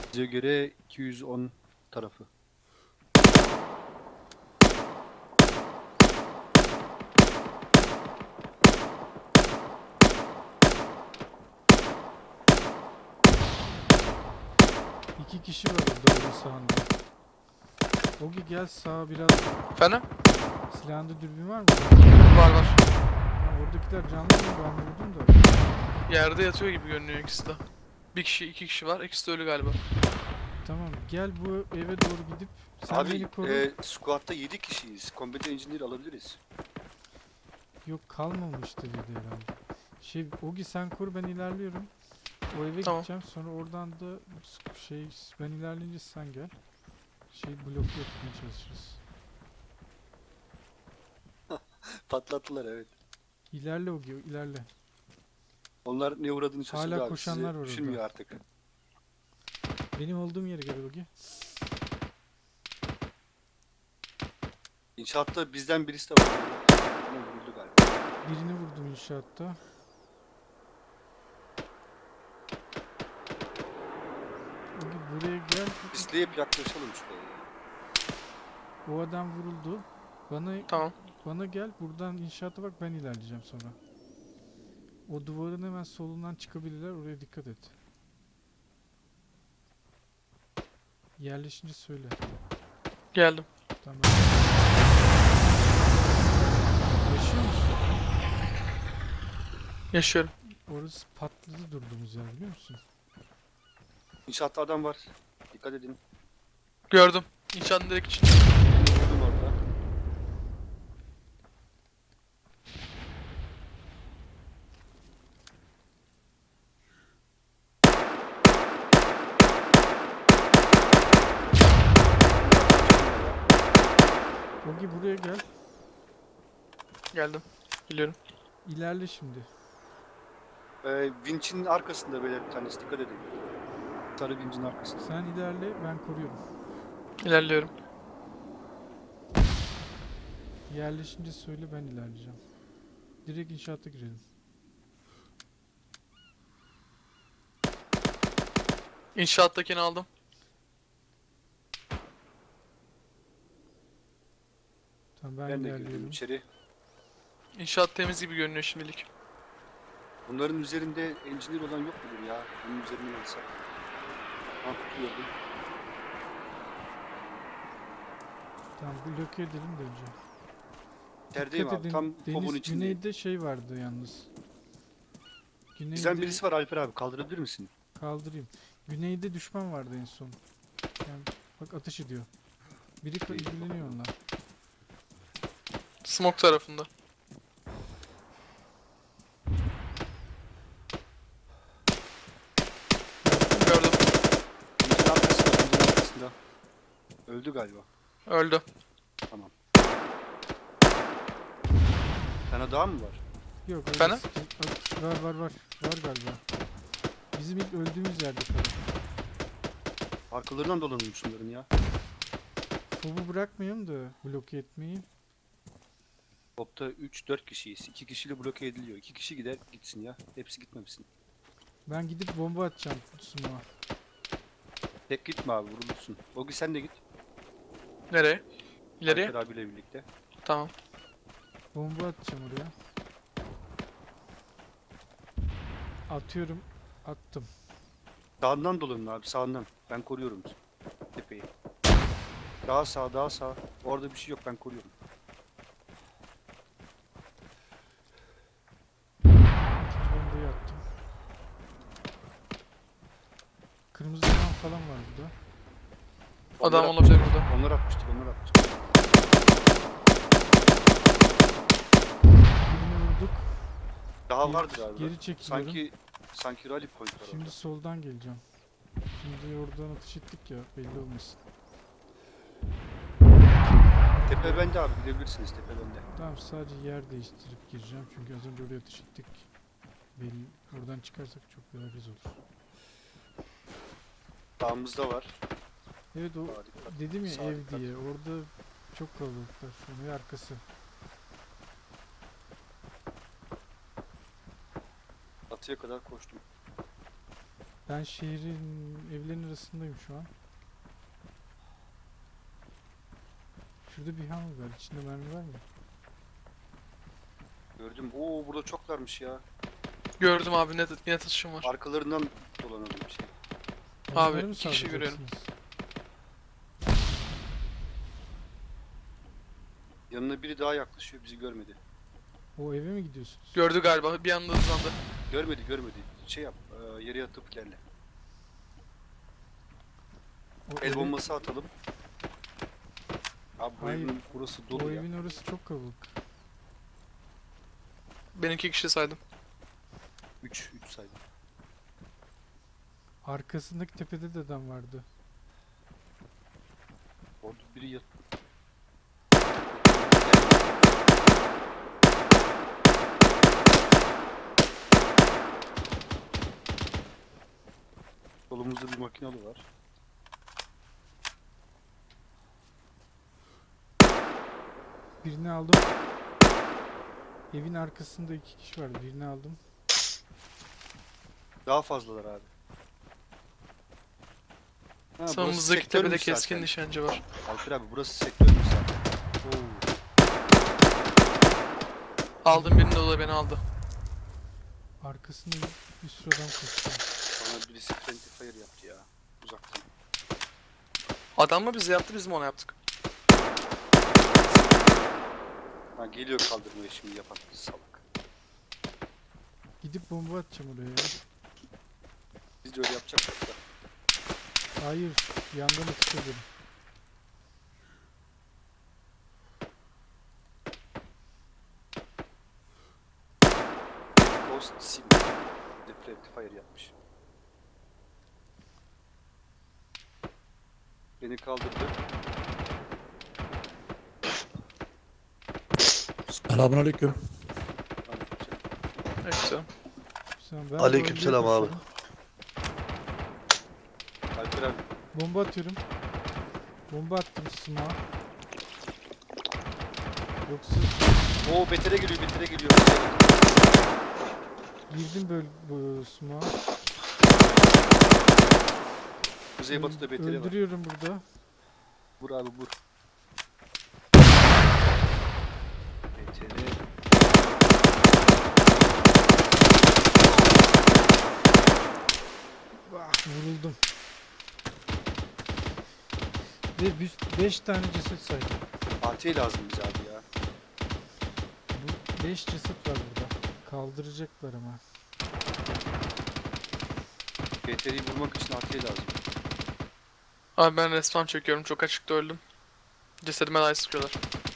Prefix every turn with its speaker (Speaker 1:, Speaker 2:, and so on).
Speaker 1: Bize göre 210 tarafı.
Speaker 2: İki kişi var orada öyle sağında. Ogi gel sağa biraz.
Speaker 3: Efendim?
Speaker 2: Silahında dürbün var mı?
Speaker 3: Var var.
Speaker 2: Ha, oradakiler canlı mı? Ben vurdum da.
Speaker 3: Yerde yatıyor gibi görünüyor ikisi de. Bir kişi, iki kişi var. İkisi de ölü galiba.
Speaker 2: Tamam gel bu eve doğru gidip sen
Speaker 1: Abi
Speaker 2: beni koru.
Speaker 1: squad'da 7 kişiyiz. Combat Engineer alabiliriz.
Speaker 2: Yok kalmamıştı dedi herhalde. Ogi sen kur ben ilerliyorum. O eve
Speaker 3: Tamam.
Speaker 2: gideceğim sonra oradan da ben ilerleyince sen gel. Bloke yapmaya çalışırız.
Speaker 1: Patlattılar evet.
Speaker 2: İlerle Ogi ilerle.
Speaker 1: Onlar ne uğradığını şaşırdı
Speaker 2: Hala
Speaker 1: abi.
Speaker 2: koşanlar
Speaker 1: Sizi
Speaker 2: var
Speaker 1: düşünmüyor
Speaker 2: orada.
Speaker 1: artık.
Speaker 2: Benim olduğum yere gel Ogi.
Speaker 1: İnşaatta bizden birisi de var. Ama vuruldu galiba.
Speaker 2: Birini vurdum inşaatta. Ogi buraya gel.
Speaker 1: İsteyip yaklaşalım şuraya.
Speaker 2: O adam vuruldu. Bana
Speaker 3: Tamam.
Speaker 2: bana gel buradan inşaata bak ben ilerleyeceğim sonra. O duvarın hemen solundan çıkabilirler oraya dikkat et. Yerleşince söyle.
Speaker 3: Geldim.
Speaker 2: Tamam. Yaşıyor musun?
Speaker 3: Yaşıyorum.
Speaker 2: Orası patladı durduğumuz yer biliyor musun?
Speaker 1: İnşaatta adam var. Dikkat edin.
Speaker 3: Gördüm. İnşaatın direkt için.
Speaker 1: Birini vurdum orada.
Speaker 2: Ogi buraya gel.
Speaker 3: Geldim. Geliyorum.
Speaker 2: İlerle şimdi.
Speaker 1: Vinç'in arkasında böyle bir tanesi. Dikkat edin. Sarı Vinç'in arkasında.
Speaker 2: Sen ilerle ben koruyorum.
Speaker 3: İlerliyorum.
Speaker 2: Yerleşince söyle ben ilerleyeceğim. Direkt inşaata girelim.
Speaker 3: İnşaattakini aldım.
Speaker 2: Tamam ben
Speaker 1: Ben de girdim
Speaker 2: ilerliyorum.
Speaker 1: içeri.
Speaker 3: İnşaat temiz gibi görünüyor şimdilik.
Speaker 1: Bunların üzerinde engineer olan yok mudur ya? Bunun üzerine alsak. Ha tutuyordum.
Speaker 2: Tamam bloke edelim de önce.
Speaker 1: İçerideyim
Speaker 2: Dikkat
Speaker 1: abi.
Speaker 2: edin
Speaker 1: Tam fobun
Speaker 2: deniz
Speaker 1: içindeyim.
Speaker 2: güneyde vardı yalnız.
Speaker 1: Bizden
Speaker 2: Güneyde
Speaker 1: birisi var Alper abi. Kaldırabilir misin?
Speaker 2: kaldırayım. Güneyde düşman vardı en son. Yani bak ateş ediyor. Biri ilgileniyor onunla.
Speaker 3: Smoke tarafında. Gördüm.
Speaker 1: Vincin arkasında. Vincin arkasında. Öldü galiba.
Speaker 3: Öldü.
Speaker 1: Tamam. Sana daha mı var?
Speaker 2: Yok öyle
Speaker 3: Efendim?
Speaker 2: var var galiba. Bizim ilk öldüğümüz yerde kaldı.
Speaker 1: Arkalarından dolanılmış bunların ya.
Speaker 2: Fobu bırakmayalım da bloke etmeyi.
Speaker 1: Topta 3-4 kişiyiz. 2 kişiyle bloke ediliyor. 2 kişi gider gitsin ya. Hepsi gitmemişsin.
Speaker 2: Ben gidip bomba atacağım smoke'a.
Speaker 1: Tek gitme abi vurulursun. Ogi sen de git.
Speaker 3: Nereye? İleriye?
Speaker 1: Alper abiyle birlikte.
Speaker 3: Tamam.
Speaker 2: Bomba atacağım oraya. Atıyorum. Attım.
Speaker 1: Sağından dolanın abi sağından. Ben koruyorum tepeyi. Daha sağ daha sağ. Orada bir şey yok ben koruyorum.
Speaker 2: İkinci bombayı attım. Kırmızı adam falan var burada.
Speaker 3: Adam
Speaker 1: Onlar
Speaker 3: olabilir
Speaker 1: atmıştır.
Speaker 3: burada.
Speaker 1: Onlar atmıştır onlar atmıştır.
Speaker 2: Birini vurduk.
Speaker 1: Daha vardır abi.
Speaker 2: Geri çekiliyorum.
Speaker 1: Sanki rally point var
Speaker 2: Şimdi
Speaker 1: orada.
Speaker 2: soldan geleceğim. Şimdi oradan atış ettik ya belli olmasın.
Speaker 1: Tepe bende abi gidebilirsiniz tepe bende.
Speaker 2: Tamam sadece yer değiştirip gireceğim çünkü az önce oraya atış ettik. Belli, oradan çıkarsak çok bariz olur.
Speaker 1: Dağımızda var.
Speaker 2: Evet o
Speaker 1: Sağa dikkat.
Speaker 2: dedim ya
Speaker 1: Sağa
Speaker 2: ev
Speaker 1: dikkat.
Speaker 2: diye orada çok kalabalıklar şu an ve arkası.
Speaker 1: Atıya kadar koştum.
Speaker 2: Ben şehrin evlerin arasındayım şu an. Şurada bir hangar var. İçinde mermi var mı?
Speaker 1: Gördüm. Oo burada çoklarmış ya.
Speaker 3: Gördüm abi, net atışım var.
Speaker 1: Arkalarından dolanalım bir şey.
Speaker 3: Abi,
Speaker 2: Onları mı
Speaker 3: 2 kişi görüyorum.
Speaker 2: saldıracaksınız?
Speaker 1: Yanına biri daha yaklaşıyor, bizi görmedi.
Speaker 2: O eve mi gidiyorsunuz?
Speaker 3: Gördü galiba, bir anda hızlandı.
Speaker 1: Görmedi. Şey yap, yere yatıp ilerle.
Speaker 2: O
Speaker 1: El
Speaker 2: eve-
Speaker 1: bombası atalım. Abi bu
Speaker 2: Hayır.
Speaker 1: evin burası
Speaker 2: O
Speaker 1: dolu ya.
Speaker 2: evin orası çok kalabalık.
Speaker 3: Ben 2 kişi saydım.
Speaker 1: 3 saydım.
Speaker 2: Arkasındaki tepede de adam vardı.
Speaker 1: Orada biri yat. Solumuzda bir makinalı var.
Speaker 2: Birini aldım. Evin arkasında 2 kişi vardı. Birini aldım.
Speaker 1: Daha fazlalar abi. Ha, burası
Speaker 3: Sağımızdaki
Speaker 1: sektörmüş
Speaker 3: tepede keskin
Speaker 1: zaten.
Speaker 3: nişancı var.
Speaker 1: Alper abi burası sektörmüş zaten. Oo.
Speaker 3: Aldım birini de, o da beni aldı.
Speaker 2: Arkasında bir sürü adam koşuyor.
Speaker 1: Bana birisi friendly fire yaptı ya. Uzaktan.
Speaker 3: Adam mı bize yaptı, biz mi ona yaptık?
Speaker 1: Ha geliyor kaldırmaya şimdi yapan salak.
Speaker 2: Gidip bomba atacağım oraya ya.
Speaker 1: Biz de öyle yapacaktık da.
Speaker 2: Hayır. Yandan atış ederim.
Speaker 1: Ghost Sim. Bir de friendly fire yapmış. Beni kaldırdı.
Speaker 4: Selamünaleyküm.
Speaker 1: Ben yapacağım.
Speaker 3: Evet, güzel.
Speaker 2: Sen, ben
Speaker 4: Aleykümselam
Speaker 2: bombaya
Speaker 4: abi.
Speaker 2: koşuyorum.
Speaker 1: Alper abi.
Speaker 2: Bomba atıyorum. Bomba attım smoke'a. Yoksa
Speaker 1: Oo betere geliyor.
Speaker 2: girdim böyle bu smoke'a.
Speaker 1: Kuzeybatıda beteri var.
Speaker 2: Öldürüyorum burada.
Speaker 1: Vur abi vur. Beteri.
Speaker 2: Vuruldum. Ve 5 tane ceset saydım.
Speaker 1: AT lazım bize abi ya.
Speaker 2: Bu 5 ceset var burada. Kaldıracaklar ama.
Speaker 1: Beteri'yi vurmak için AT lazım.
Speaker 3: Abi ben respawn çekiyorum, çok açıkta öldüm. Cesedime daha sıkıyorlar.